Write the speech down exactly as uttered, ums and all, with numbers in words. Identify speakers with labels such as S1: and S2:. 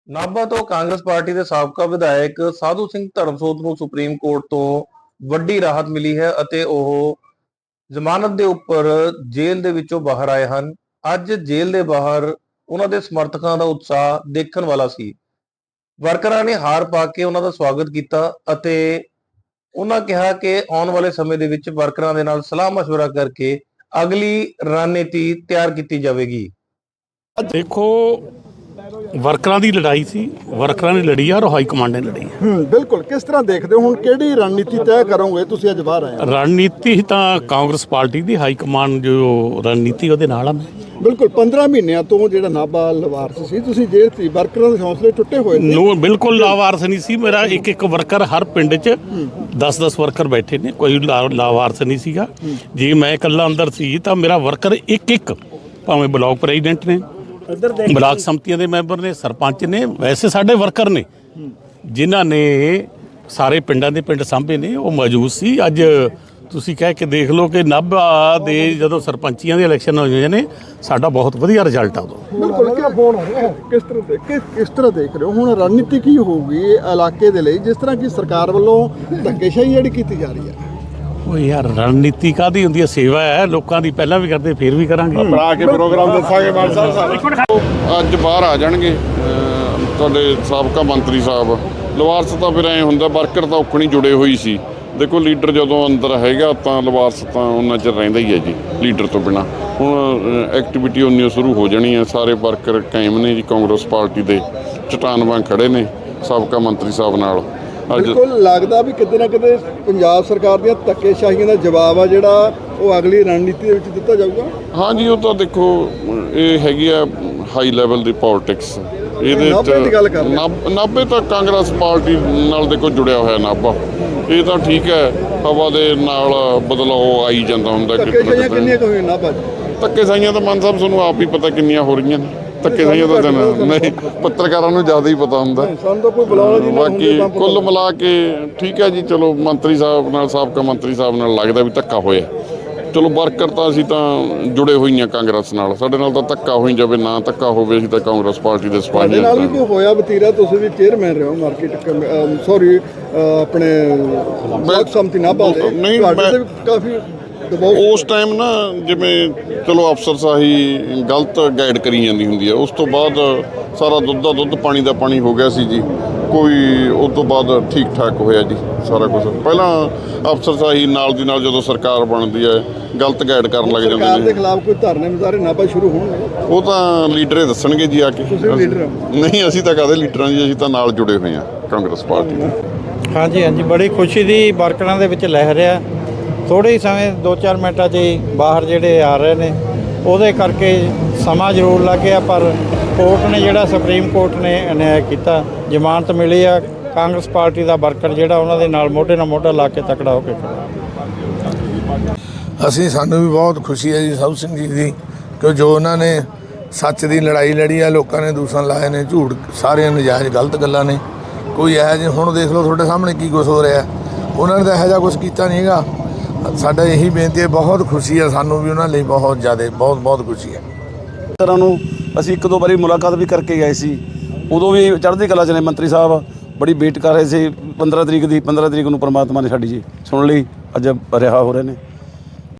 S1: ਨਾਭਾ ਤੋਂ ਕਾਂਗਰਸ ਪਾਰਟੀ ਦੇ ਸਾਬਕਾ ਵਿਧਾਇਕ ਸਾਧੂ ਸਿੰਘ ਧਰਮਸੋਤ ਨੂੰ ਸੁਪਰੀਮ ਕੋਰਟ ਤੋਂ ਵੱਡੀ ਰਾਹਤ ਮਿਲੀ ਹੈ ਅਤੇ ਉਹ ਜ਼ਮਾਨਤ ਦੇ ਉੱਪਰ ਜੇਲ੍ਹ ਦੇ ਵਿੱਚੋਂ ਬਾਹਰ ਆਏ ਹਨ। ਅੱਜ ਜੇਲ੍ਹ ਦੇ ਬਾਹਰ ਉਹਨਾਂ ਦੇ ਸਮਰਥਕਾਂ ਦਾ ਉਤਸ਼ਾਹ ਦੇਖਣ ਵਾਲਾ ਸੀ। ਵਰਕਰਾਂ ਨੇ ਹਾਰ ਪਾ ਕੇ ਉਹਨਾਂ ਦਾ ਸਵਾਗਤ ਕੀਤਾ ਅਤੇ ਉਹਨਾਂ ਕਿਹਾ ਕਿ ਆਉਣ ਵਾਲੇ ਸਮੇਂ ਦੇ ਵਿੱਚ ਵਰਕਰਾਂ ਦੇ ਨਾਲ ਸਲਾਹ ਮਸ਼ਵਰਾ ਕਰਕੇ ਅਗਲੀ ਰਣਨੀਤੀ ਤਿਆਰ ਕੀਤੀ ਜਾਵੇਗੀ।
S2: देखो ਵਰਕਰਾਂ ਦੀ ਲੜਾਈ ਸੀ, ਵਰਕਰਾਂ ਨੇ ਲੜੀ ਆ ਔਰ ਹਾਈ ਕਮਾਂਡ ਨੇ ਲੜੀ ਹੈ।
S3: ਹੂੰ ਬਿਲਕੁਲ। ਕਿਸ ਤਰ੍ਹਾਂ ਦੇਖਦੇ ਹੋ ਹੁਣ ਕਿਹੜੀ ਰਣਨੀਤੀ ਤੈਅ ਕਰੋਗੇ ਤੁਸੀਂ ਅੱਜ ਬਾਹਰ ਆਏ ਹੋ?
S2: ਰਣਨੀਤੀ ਤਾਂ ਕਾਂਗਰਸ ਪਾਰਟੀ ਦੀ ਹਾਈ ਕਮਾਂਡ ਜੋ ਰਣਨੀਤੀ ਉਹਦੇ ਨਾਲ ਆ ਮੈਂ
S3: ਬਿਲਕੁਲ। ਪੰਦਰਾਂ ਮਹੀਨਿਆਂ ਤੋਂ ਜਿਹੜਾ ਨਾਭਾ ਲਵਾਰਸ ਸੀ, ਤੁਸੀਂ ਜੇਲ੍ਹ ਸੀ, ਵਰਕਰਾਂ ਦੇ ਹੌਸਲੇ ਟੁੱਟੇ ਹੋਏ ਨੇ।
S2: ਨੋ ਬਿਲਕੁਲ ਲਾਵਾਰਸ ਨਹੀਂ ਸੀ। ਮੇਰਾ ਇੱਕ ਇੱਕ ਵਰਕਰ ਹਰ ਪਿੰਡ 'ਚ ਦਸ ਦਸ ਵਰਕਰ ਬੈਠੇ ਨੇ, ਕੋਈ ਲਾ- ਲਾਵਾਰਸ ਨਹੀਂ ਸੀਗਾ। ਜੇ ਮੈਂ ਇਕੱਲਾ ਅੰਦਰ ਸੀ ਤਾਂ ਮੇਰਾ ਵਰਕਰ ਇੱਕ ਇੱਕ, ਭਾਵੇਂ ਬਲਾਕ ਪ੍ਰੈਜ਼ੀਡੈਂਟ ਨੇ, ਬਲਾਕ ਸੰਮਤੀਆਂ ਦੇ ਮੈਂਬਰ ਨੇ, ਸਰਪੰਚ ਨੇ, ਵੈਸੇ ਸਾਡੇ ਵਰਕਰ ਨੇ ਜਿਨ੍ਹਾਂ ਨੇ ਸਾਰੇ ਪਿੰਡਾਂ ਦੇ ਪਿੰਡ ਸਾਂਭੇ ਨੇ, ਉਹ ਮੌਜੂਦ ਸੀ। ਅੱਜ ਤੁਸੀਂ ਕਹਿ ਕੇ ਦੇਖ ਲਓ ਕਿ ਨਾਭਾ ਦੇ ਜਦੋਂ ਸਰਪੰਚੀਆਂ ਦੇ ਇਲੈਕਸ਼ਨ ਹੋਏ ਨੇ, ਸਾਡਾ ਬਹੁਤ ਵਧੀਆ ਰਿਜ਼ਲਟ ਆ ਉਦੋਂ।
S3: ਬਿਲਕੁਲ। ਕਿਆ ਫੋਨ ਕਿਸ ਤਰ੍ਹਾਂ ਦੇ ਕਿਸ ਕਿਸ ਤਰ੍ਹਾਂ ਦੇਖ ਰਹੇ ਹੋ ਹੁਣ ਰਣਨੀਤੀ ਕੀ ਹੋਊਗੀ ਇਲਾਕੇ ਦੇ ਲਈ, ਜਿਸ ਤਰ੍ਹਾਂ ਕਿ ਸਰਕਾਰ ਵੱਲੋਂ ਧੱਕੇਸ਼ਾਹੀ ਜਿਹੜੀ ਕੀਤੀ ਜਾ ਰਹੀ ਹੈ?
S2: ਉਹ ਯਾਰ ਰਣਨੀਤੀ ਕਾਹਦੀ ਹੁੰਦੀ ਹੈ? ਸੇਵਾ ਹੈ ਲੋਕਾਂ ਦੀ, ਪਹਿਲਾਂ ਵੀ ਕਰਦੇ ਫਿਰ ਵੀ ਕਰਾਂਗੇ।
S4: ਬਣਾ ਕੇ ਪ੍ਰੋਗਰਾਮ ਦੱਸਾਂਗੇ ਮਾਨ ਸਾਹਿਬ। ਅੱਜ ਬਾਹਰ ਆ ਜਾਣਗੇ ਅਹ ਤੁਹਾਡੇ ਸਾਬਕਾ ਮੰਤਰੀ ਸਾਹਿਬ। ਲਵਾਰਸ ਤਾਂ ਫਿਰ ਐਂ ਹੁੰਦਾ, ਵਰਕਰ ਤਾਂ ਔਖਣੀ ਜੁੜੇ ਹੋਈ ਸੀ। ਦੇਖੋ ਲੀਡਰ ਜਦੋਂ ਅੰਦਰ ਹੈਗਾ ਤਾਂ ਲਵਾਰਸ ਤਾਂ ਉਹਨਾਂ ਚਿਰ ਰਹਿੰਦਾ ਹੀ ਹੈ ਜੀ, ਲੀਡਰ ਤੋਂ ਬਿਨਾਂ। ਹੁਣ ਐਕਟੀਵਿਟੀ ਉਨੀ ਸ਼ੁਰੂ ਹੋ ਜਾਣੀ ਹੈ। ਸਾਰੇ ਵਰਕਰ ਕਾਇਮ ਨੇ ਜੀ, ਕਾਂਗਰਸ ਪਾਰਟੀ ਦੇ ਚਟਾਨ ਵਾਂਗ ਖੜੇ ਨੇ ਸਾਬਕਾ ਮੰਤਰੀ ਸਾਹਿਬ ਨਾਲ।
S3: ਬਿਲਕੁਲ। ਲੱਗਦਾ ਵੀ ਕਿਤੇ ਨਾ ਕਿਤੇ ਪੰਜਾਬ ਸਰਕਾਰ ਦੀਆਂ ਧੱਕੇਸ਼ਾਹੀਆਂ ਦਾ ਜਵਾਬ ਆ ਜਿਹੜਾ ਉਹ ਅਗਲੀ ਰਣਨੀਤੀ ਦੇ ਵਿੱਚ ਦਿੱਤਾ ਜਾਊਗਾ।
S4: ਹਾਂਜੀ, ਉਹ ਤਾਂ ਦੇਖੋ ਇਹ ਹੈਗੀ ਆ ਹਾਈ ਲੈਵਲ ਦੀ ਪੋਲਿਟਿਕਸ। ਇਹਦੇ
S3: ਨਾਭੇ ਦੀ ਗੱਲ ਕਰ ਰਹੇ।
S4: ਨਾਭ- ਨਾਭੇ ਤਾਂ ਕਾਂਗਰਸ ਪਾਰਟੀ ਨਾਲ ਦੇਖੋ ਜੁੜਿਆ ਹੋਇਆ ਨਾਭਾ। ਇਹ ਤਾਂ ਠੀਕ ਹੈ, ਹਵਾ ਦੇ ਨਾਲ ਬਦਲਾਅ ਆਈ ਜਾਂਦਾ ਹੁੰਦਾ।
S3: ਧੱਕੇਸ਼ਾਹੀਆਂ ਕਿੰਨੀਆਂ ਕੁ ਹੋਈਆਂ ਨਾਭਾ 'ਚ?
S4: ਧੱਕੇਸ਼ਾਹੀਆਂ ਤਾਂ ਮਾਨ ਸਾਹਿਬ ਤੁਹਾਨੂੰ ਆਪ ਹੀ ਪਤਾ ਕਿੰਨੀਆਂ ਹੋ ਰਹੀਆਂ ਨੇ। ਧੱਕੇਸ਼ਾਹੀਆਂ ਤਾਂ ਨਹੀਂ, ਪੱਤਰਕਾਰਾਂ ਨੂੰ ਜ਼ਿਆਦਾ ਹੀ ਪਤਾ ਹੁੰਦਾ।
S3: ਸਾਨੂੰ ਤਾਂ ਕੋਈ ਬੁਲਾਉਣਾ ਜੀ ਨਾ ਹੁੰਦੇ
S4: ਬਾਕੀ ਕੁੱਲ ਮਿਲਾ ਕੇ ਠੀਕ ਹੈ ਜੀ। ਚਲੋ ਮੰਤਰੀ ਸਾਹਿਬ ਨਾਲ, ਸਾਬਕਾ ਮੰਤਰੀ ਸਾਹਿਬ ਨਾਲ ਲੱਗਦਾ ਵੀ ਧੱਕਾ ਹੋਇਆ। ਚਲੋ ਵਰਕਰ ਤਾਂ ਅਸੀਂ ਤਾਂ ਜੁੜੇ ਹੋਈਆਂ ਕਾਂਗਰਸ ਨਾਲ, ਸਾਡੇ ਨਾਲ ਤਾਂ ਧੱਕਾ ਹੋਈ ਜਾਵੇ ਨਾ ਧੱਕਾ ਹੋਵੇ, ਅਸੀਂ ਤਾਂ ਕਾਂਗਰਸ ਪਾਰਟੀ ਦੇ ਸਿਪਾਹੀ
S3: ਤੁਹਾਡੇ ਨਾਲ ਵੀ ਕੋਈ ਹੋਇਆ ਵਤੀਰਾ? ਤੁਸੀਂ ਵੀ ਚੇਅਰਮੈਨ ਰਹੇ ਹੋ ਮਾਰਕੀਟ, ਸੌਰੀ ਆਪਣੇ ਬਲਾਕ ਸੰਮਤੀ ਨਾਭਾ ਦੇ।
S4: ਨਹੀਂ,
S3: ਤੁਹਾਡੇ
S4: ਮੈਂ-
S3: ਤੇ ਵੀ ਕਾਫੀ ਦਬਾਅ
S4: ਉਸ ਟਾਈਮ ਨਾ ਜਿਵੇਂ ਚਲੋ ਅਫਸਰ ਸਾਹੀ ਗਲਤ ਗਾਈਡ ਕਰੀ ਜਾਂਦੀ ਹੁੰਦੀ ਹੈ। ਉਸ ਤੋਂ ਬਾਅਦ ਸਾਰਾ ਦੁੱਧ ਦਾ ਦੁੱਧ ਪਾਣੀ ਦਾ ਪਾਣੀ ਹੋ ਗਿਆ ਸੀ ਜੀ। ਕੋਈ ਉਸ ਤੋਂ ਬਾਅਦ ਠੀਕ ਠਾਕ ਹੋਇਆ ਜੀ ਸਾਰਾ ਕੁਝ। ਪਹਿਲਾਂ ਅਫਸਰ ਸਾਹੀ ਨਾਲ ਦੀ ਨਾਲ ਜਦੋਂ ਸਰਕਾਰ ਬਣਦੀ ਹੈ ਗਲਤ ਗਾਈਡ ਕਰਨ ਲੱਗ
S3: ਸਰਕਾਰ
S4: ਜਾਂਦੇ
S3: ਦੇ
S4: ਨੇ।
S3: ਖਿਲਾਫ ਕੋਈ ਧਰਨੇ ਮੁਜ਼ਾਹਰੇ ਨਾਭਾ ਸ਼ੁਰੂ ਹੋਣਗੇ?
S4: ਉਹ ਤਾਂ ਲੀਡਰ ਹੀ ਦੱਸਣਗੇ ਜੀ ਆ ਕੇ।
S3: ਤੁਸੀਂ ਵੀ ਲੀਡਰ ਹੋ?
S4: ਨਹੀਂ, ਅਸੀਂ ਤਾਂ ਕਾਹਦੇ ਲੀਡਰਾਂ ਜੀ, ਅਸੀਂ ਤਾਂ ਨਾਲ ਜੁੜੇ ਹੋਏ ਹਾਂ ਕਾਂਗਰਸ ਪਾਰਟੀ ਦੇ।
S5: ਹਾਂਜੀ ਹਾਂਜੀ, ਬੜੀ ਖੁਸ਼ੀ ਦੀ ਵਰਕਰਾਂ ਦੇ ਵਿੱਚ ਲਹਿਰ ਆ। ਥੋੜ੍ਹੇ ਹੀ ਸਮੇਂ ਦੋ ਚਾਰ ਮਿੰਟਾਂ 'ਚ ਹੀ ਬਾਹਰ ਜਿਹੜੇ ਆ ਰਹੇ ਨੇ, ਉਹਦੇ ਕਰਕੇ ਸਮਾਂ ਜ਼ਰੂਰ ਲੱਗਿਆ, ਪਰ ਕੋਰਟ ਨੇ ਜਿਹੜਾ ਸੁਪਰੀਮ ਕੋਰਟ ਨੇ ਅਨਿਆਏ ਕੀਤਾ, ਜ਼ਮਾਨਤ ਮਿਲੀ ਆ। ਕਾਂਗਰਸ ਪਾਰਟੀ ਦਾ ਵਰਕਰ ਜਿਹੜਾ ਉਹਨਾਂ ਦੇ ਨਾਲ ਮੋਢੇ ਨਾਲ ਮੋਢਾ ਲਾ ਕੇ ਤਕੜਾ ਹੋ ਕੇ ਖੜਾ।
S6: ਅਸੀਂ ਸਾਨੂੰ ਵੀ ਬਹੁਤ ਖੁਸ਼ੀ ਹੈ ਜੀ ਸਾਧੂ ਸਿੰਘ ਜੀ ਦੀ, ਕਿ ਜੋ ਉਹਨਾਂ ਨੇ ਸੱਚ ਦੀ ਲੜਾਈ ਲੜੀ ਆ, ਲੋਕਾਂ ਨੇ ਦੂਸ਼ਣ ਲਾਏ ਨੇ, ਝੂਠ, ਸਾਰੇ ਨਜਾਇਜ਼ ਗਲਤ ਗੱਲਾਂ ਨੇ। ਕੋਈ ਇਹੋ ਜਿਹੇ ਹੁਣ ਦੇਖ ਲਓ ਤੁਹਾਡੇ ਸਾਹਮਣੇ ਕੀ ਕੁਛ ਹੋ ਰਿਹਾ। ਉਹਨਾਂ ਨੇ ਤਾਂ ਇਹੋ ਜਿਹਾ ਕੁਛ ਕੀਤਾ ਨਹੀਂ ਹੈਗਾ। ਸਾਡਾ ਇਹੀ ਬੇਨਤੀ ਹੈ, ਬਹੁਤ ਖੁਸ਼ੀ ਹੈ ਸਾਨੂੰ ਵੀ ਉਹਨਾਂ ਲਈ, ਬਹੁਤ ਜ਼ਿਆਦਾ, ਬਹੁਤ ਬਹੁਤ ਖੁਸ਼ੀ ਹੈ।
S7: ਤਰ੍ਹਾਂ ਨੂੰ ਅਸੀਂ ਇੱਕ ਦੋ ਵਾਰੀ ਮੁਲਾਕਾਤ ਵੀ ਕਰਕੇ ਗਏ ਸੀ, ਉਦੋਂ ਵੀ ਚੜ੍ਹਦੀ ਕਲਾ 'ਚ ਨੇ ਮੰਤਰੀ ਸਾਹਿਬ। ਬੜੀ ਵੇਟ ਕਰ ਰਹੇ ਸੀ ਪੰਦਰਾਂ ਤਰੀਕ ਦੀ। ਪੰਦਰਾਂ ਤਰੀਕ ਨੂੰ ਪਰਮਾਤਮਾ ਨੇ ਸਾਡੀ ਜੀ ਸੁਣ ਲਈ, ਅੱਜ ਰਿਹਾ ਹੋ ਰਹੇ ਨੇ।